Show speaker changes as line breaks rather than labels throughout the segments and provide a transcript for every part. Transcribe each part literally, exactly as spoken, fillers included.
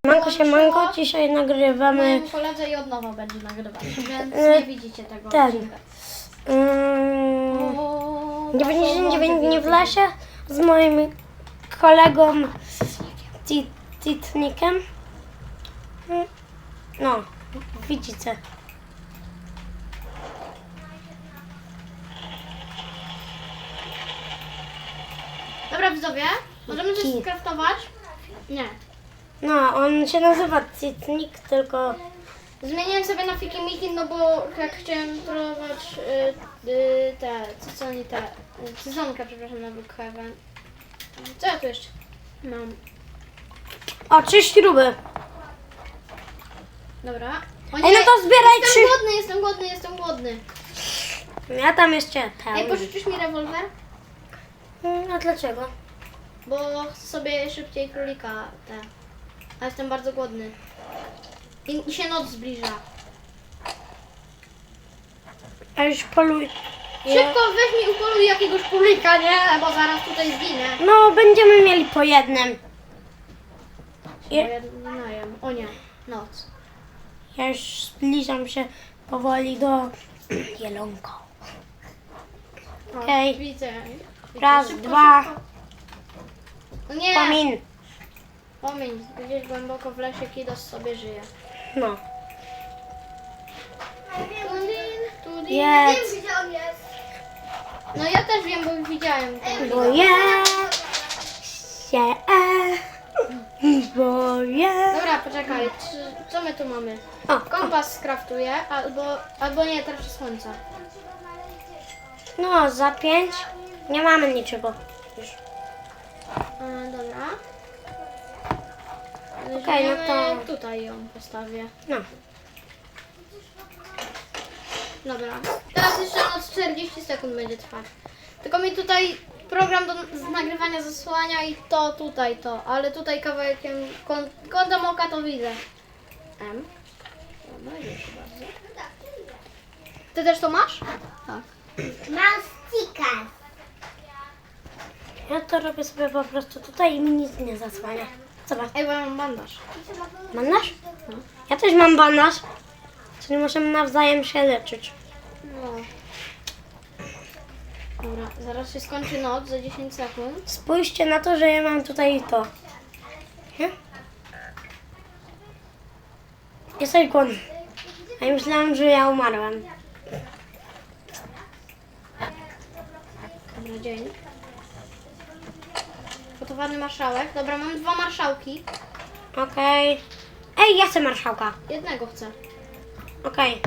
Manko się manko, dzisiaj nagrywamy
Moim koledze i od nowa będzie nagrywać, więc
E,
nie widzicie tego
ten.
odcinka.
mm,
O,
dziewięćdziesiąt dziewięć
to
dni w lesie z moim kolegą Tit- Titnikiem. Mm, No, widzicie.
Dobra widzowie, możemy coś
Ki.
skraftować? Nie.
No, on się nazywa Titnik, tylko
Zmieniłem sobie na Fiki Miki, no bo jak chciałem próbować y, y, te, co co oni te, y, cyzonka, przepraszam, na Brookhaven. Co ja tu jeszcze mam?
o, trzy śruby.
Dobra. O
Ej, no to zbieraj
jestem
trzy.
głodny, jestem głodny, jestem głodny.
Ja tam jeszcze
Ej,
pełny.
pożyczysz mi rewolwer?
Mm, A dlaczego?
Bo chcę sobie szybciej królika te. A jestem bardzo głodny. I, i się noc zbliża.
A już poluj.
Szybko weź mi upoluj jakiegoś królika, nie? Bo zaraz tutaj zginę.
No, będziemy mieli po jednym.
Bo
Je-
ja nie najem. O nie, noc.
Ja już zbliżam się powoli do Jelonka.
O,
Okej.
Widzę. Widzę.
Raz,
Szybko,
dwa.
szybko. O nie!
Pomin.
Pomiń. Gdzieś głęboko w lesie Kidos sobie żyje.
No.
Tudin, tudin.
Jest.
Gdzie on jest?
No ja też wiem, bo widziałem ten
Bo
widok.
jest się. Bo jest.
Dobra, poczekaj. Czy, co my tu mamy?
O,
Kompas skraftuję, albo, albo nie, teraz słońca.
no, za pięć nie mamy niczego. Już.
E, dobra.
Okej, no to-
Weźmiemy, tutaj ją postawię.
No.
Dobra. Teraz jeszcze noc czterdzieści sekund będzie trwać. Tylko mi tutaj program do z nagrywania zasłania i to tutaj to, ale tutaj kawałkiem kąt, kątem oka to widzę. M. Dobra, już bardzo. Ty też to masz? Tak.
Mam sticker.
Ja to robię sobie po prostu tutaj i mi nic nie zasłania. Zobacz.
Ej, bo ja mam bandaż.
Bandaż? Ja też mam bandaż. Czyli możemy nawzajem się leczyć.
No. Dobra, zaraz się skończy noc za dziesięć sekund.
Spójrzcie na to, że ja mam tutaj to. Nie? Jesteś głodny. A ja myślałam, że ja umarłam.
Dobra, dzień. Gotowany marszałek. Dobra, mam dwa marszałki.
Okej. Ej, ja chcę marszałka.
Jednego chcę.
Okej.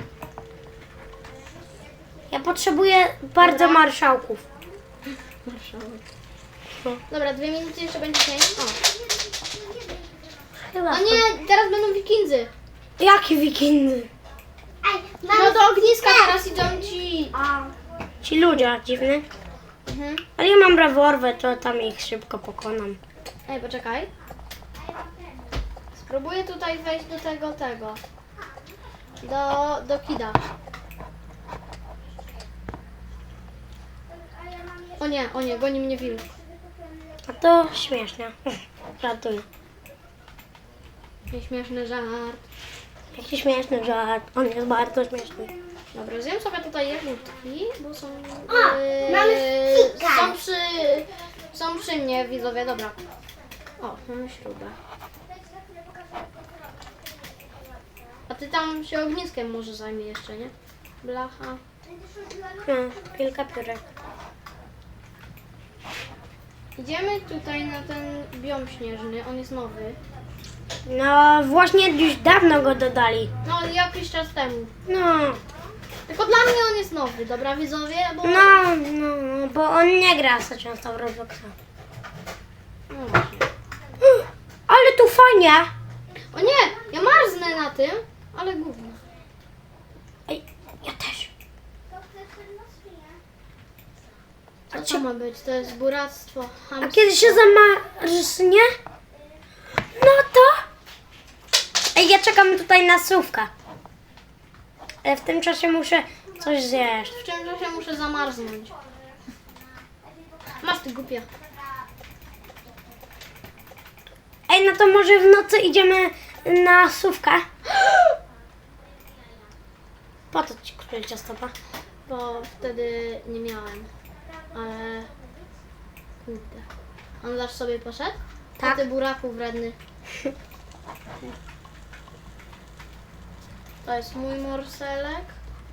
Ja potrzebuję bardzo
Dobra.
marszałków.
Marszałek.
No.
Dobra, dwie minuty jeszcze będzie dzień. O.
Chyba.
O nie, teraz będą wikindzy.
Jakie wikindy?
Ej, mam
No do ogniska teraz idą ci.
Ci ludzie dziwne.
Mhm.
Ale ja mam rewolwer, to tam ich szybko pokonam.
Ej, poczekaj. Spróbuję tutaj wejść do tego, tego. Do, do kida. O nie, o nie, goni mnie wilk.
A to śmieszne. Żartuję.
Nieśmieszny żart.
Jaki śmieszny żart. On jest bardzo śmieszny.
Dobra, zjem sobie tutaj jagódki, bo są...
O,
yy,
mamy stika.
są przy... Są przy mnie, widzowie, dobra. O, mamy śrubę. A ty tam się ogniskiem może zajmie jeszcze, nie? Blacha.
No, kilka piórek.
Idziemy tutaj na ten biom śnieżny, on jest nowy.
No, właśnie już dawno go dodali.
No, jakiś czas temu.
No,
Tylko dla mnie on jest nowy, dobra widzowie, bo...
no, no, bo on nie gra za często w Robloxa.
No właśnie.
Ale tu fajnie.
O nie, ja marznę na tym, ale gówno.
Ej, ja też.
Co to ma być? To jest buractwo,
A
chamstwo.
kiedy się zamarznie? No to... Ej, ja czekam tutaj na słówka. Ale w tym czasie muszę coś zjeść.
W czym czasie muszę zamarznąć? Masz ty głupia.
Ej, no to może w nocy idziemy na sówkę. Po co ci kupię ciastopa?
Bo wtedy nie miałem. Ale... Kurde. On zaś sobie poszedł?
Tak.
A ty buraku wredny. To jest mój morselek.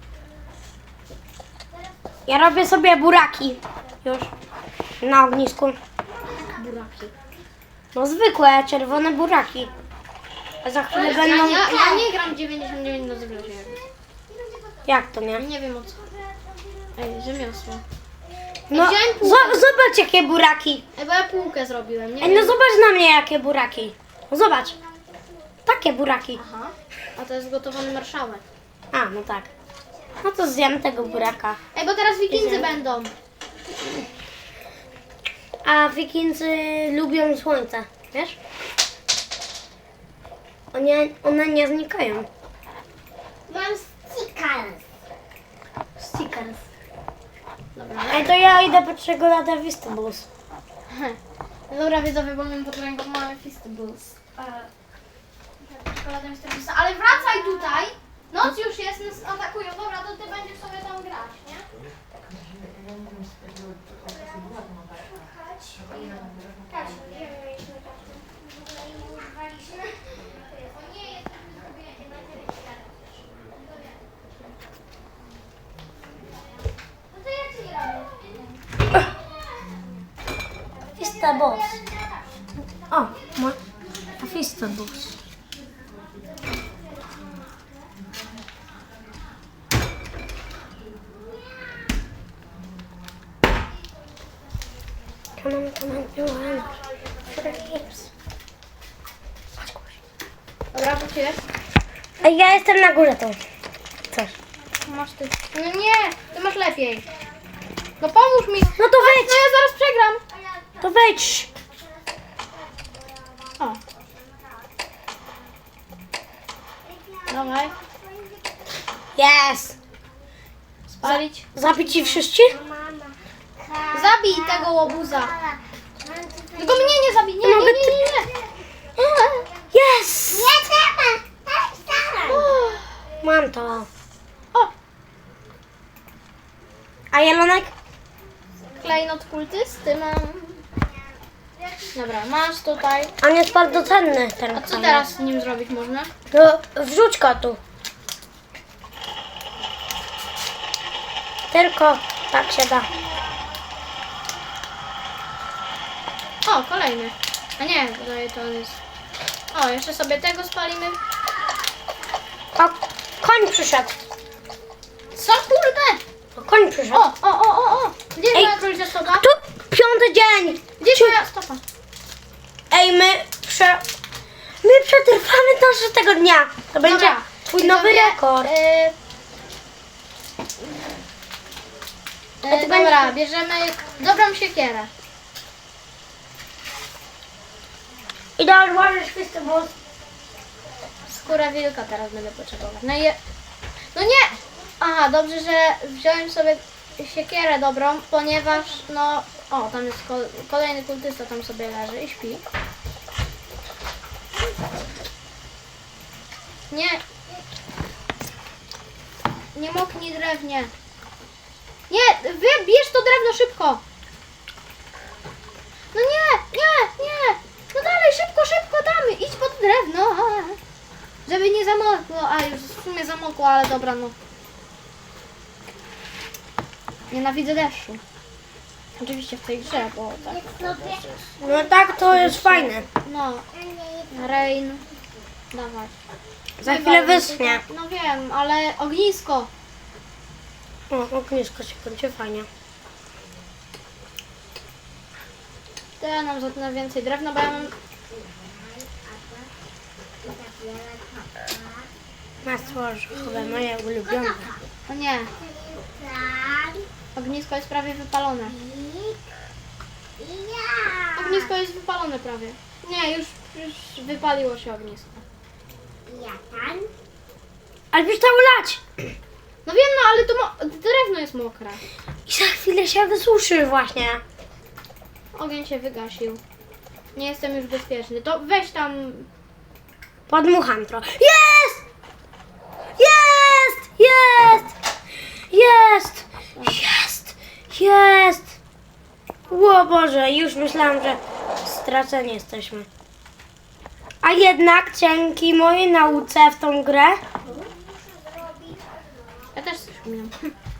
Ja robię sobie buraki. Już. Na ognisku.
Buraki.
No zwykłe, czerwone buraki. A za chwilę
Ja,
będą...
ja, ja nie gram dziewięćdziesiąt dziewięć na zbrozie.
Jak to nie?
Nie wiem o co. Ej, rzemiosło.
No,
wziąłem półkę.
zo- zobacz jakie buraki.
Ej, bo ja półkę zrobiłem, nie
Ej, no
wiem.
zobacz na mnie jakie buraki. No zobacz. Takie buraki.
Aha. A to jest gotowany marszałek.
A, no tak. No to zjem tego buraka.
Ej, bo teraz wikindzy
Idziemy.
będą.
A wikingzy lubią słońce, wiesz? One, one nie znikają.
Mam stickers.
Stickers.
Dobra.
Ej, to ja idę po czekoladę Feastables.
Dobra, widzowie, bo mam pod ręką małe Feastables. Czekoladę Feastablesa. Ale wracaj tutaj! Noc już jest, nas atakują. Dobra, to ty będziesz sobie tam grać, nie?
Feastables. O, ma... Feastables. Come on, come on, come on. For the hips.
Dobra, wróciłeś?
Ej, ja jestem na górze tu. Coś.
Masz ty. No nie, ty masz lepiej. No pomóż mi.
No to wejdź,
No ja zaraz przegram.
to wejdź.
O. Dawaj.
Yes.
Spalić.
Zabić ci wszyscy?
Zabij tego łobuza. Tylko mnie nie zabij. Nie, nie, nie, nie, nie.
Yes.
Nie trzeba. Tak samo.
Mam to.
O,
A jelonek?
klejnot kultysty mam. Dobra, masz tutaj.
On jest bardzo cenny ten
A co
kamień.
teraz z nim zrobić można?
No, wrzuć go tu. Tylko tak się da.
O, kolejny. A nie, tutaj to jest... O, jeszcze sobie tego spalimy.
O, koń przyszedł.
Co kurde?
O, koń przyszedł.
O, o, o, o, o. Gdzie jest
Ej.
moja królicia stopa?
Tu piąty dzień.
Gdzie jest moja stopa?
Ej, my prze... My przetrwamy do tego dnia. To będzie
Dobra.
twój nowy
Widzowie,
rekord.
y,
A ty
y, dobra,
będziesz-
bierzemy dobrą siekierę.
I da odłożysz Feastables.
Skórę wilka teraz będę potrzebować. No i... No nie! Aha, dobrze, że wziąłem sobie siekierę dobrą, ponieważ no... O, tam jest ko- kolejny kultysta, tam sobie leży i śpi. Nie! Nie moknij drewnie. Nie! Wy, bierz to drewno szybko! No nie! Nie! Nie! No dalej, szybko, szybko damy! Idź pod drewno! Żeby nie zamokło. A, już w sumie zamokło, ale dobra, no. Nienawidzę deszczu. Oczywiście w tej grze, bo tak.
No tak, to jest fajne.
No, rain. Dawaj.
Za chwilę wyschnie.
No wiem, ale ognisko.
O, ognisko się kończy fajnie.
To ja nam zetnę więcej drewna, bo ja mam...
Masło orzechowe, moje ulubione.
O nie,
Tak.
ognisko jest prawie wypalone.
I ja.
Ognisko jest wypalone prawie. Nie, już, już wypaliło się ognisko.
Ja tam.
Ale przestało lać.
No wiem, no ale to mo- drewno jest mokre.
I za chwilę się wysuszy właśnie.
Ogień się wygasił. Nie jestem już bezpieczny. To weź tam
Podmucham trochę. Jest! Jest! Jest! Jest! Jest! Jest! O Boże, już myślałam, że straceni jesteśmy. A jednak dzięki mojej nauce w tą grę
Ja też coś umiem.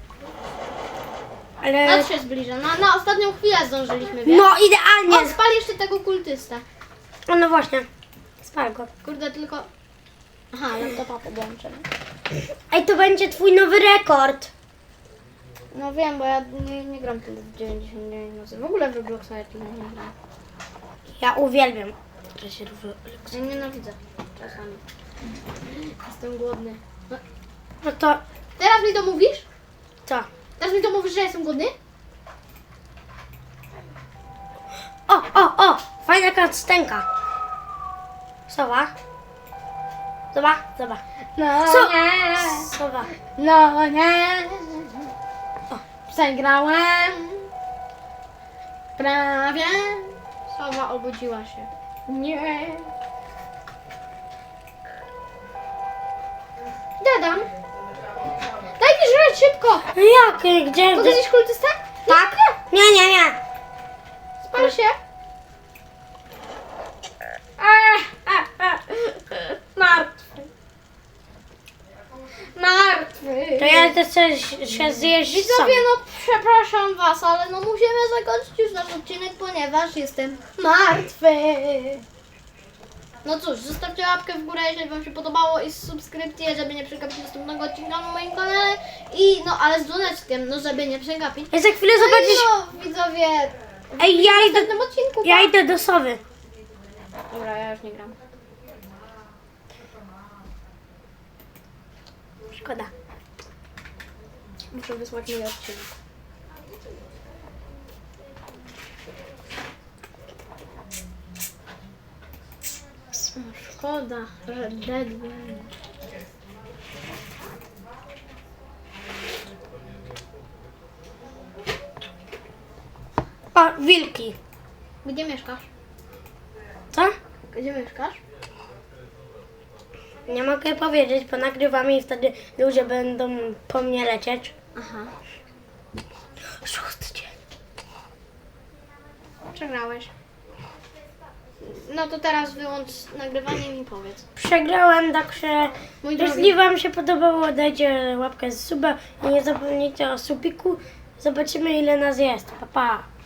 ale...
Noc się zbliża. Na, na ostatnią chwilę zdążyliśmy, wiesz?
No
O,
idealnie!
spal jeszcze tego kultysta.
O, no właśnie. Spal go.
Kurde, tylko... Aha, laptopa podłączę.
Ej, to będzie twój nowy rekord.
No wiem, bo ja nie, nie gram tyle dziewięćdziesiąt dziewięć nocy. W ogóle w Robloxa ja tyle nie gram.
Ja uwielbiam. że się robi-
Ja nienawidzę czasami. Jestem głodny. No,
No to
teraz mi to mówisz?
co?
Teraz mi to mówisz, że jestem głodny?
O, o, o! Fajna kacstenka. Sowa. Zobacz, zobacz.
No
Co?
nie,
Sowa.
no nie. Przegrałem. Prawie. Sowa obudziła się. Nie. Dadam. Daj mi żreć szybko.
No jak? Gdzie?
To jesteś kultysta?
Tak? Nie, nie, nie.
Spal się. Ech, ech, ech. Martwy. Martwy.
To ja też chcę się zjeść sam.
Widzowie, no przepraszam was, ale no musimy zakończyć już nasz odcinek, ponieważ jestem martwy. No cóż, zostawcie łapkę w górę, jeżeli wam się podobało i subskrypcję, żeby nie przegapić następnego odcinka na moim kanale. I no, ale z dzwoneczkiem, no żeby nie przegapić.
Ej, za chwilę
No i
zobaczysz.
no, widzowie,
Ej, ja
w
idę,
następnym odcinku.
ja
pa.
idę do sowy.
Dobra, ja już nie gram.
Szkoda.
Muszę wysłać mój odcinek. O, szkoda, że deadline.
O, wilki.
Gdzie mieszkasz?
Co?
Gdzie mieszkasz?
Nie mogę powiedzieć, bo nagrywam i wtedy ludzie będą po mnie lecieć.
Aha.
Szósty dzień.
Przegrałeś. No to teraz wyłącz nagrywanie i mi powiedz.
Przegrałem, także
Mój drogi.
jeśli wam się podobało, dajcie łapkę z suba i nie zapomnijcie o subiku. Zobaczymy ile nas jest. Pa, pa.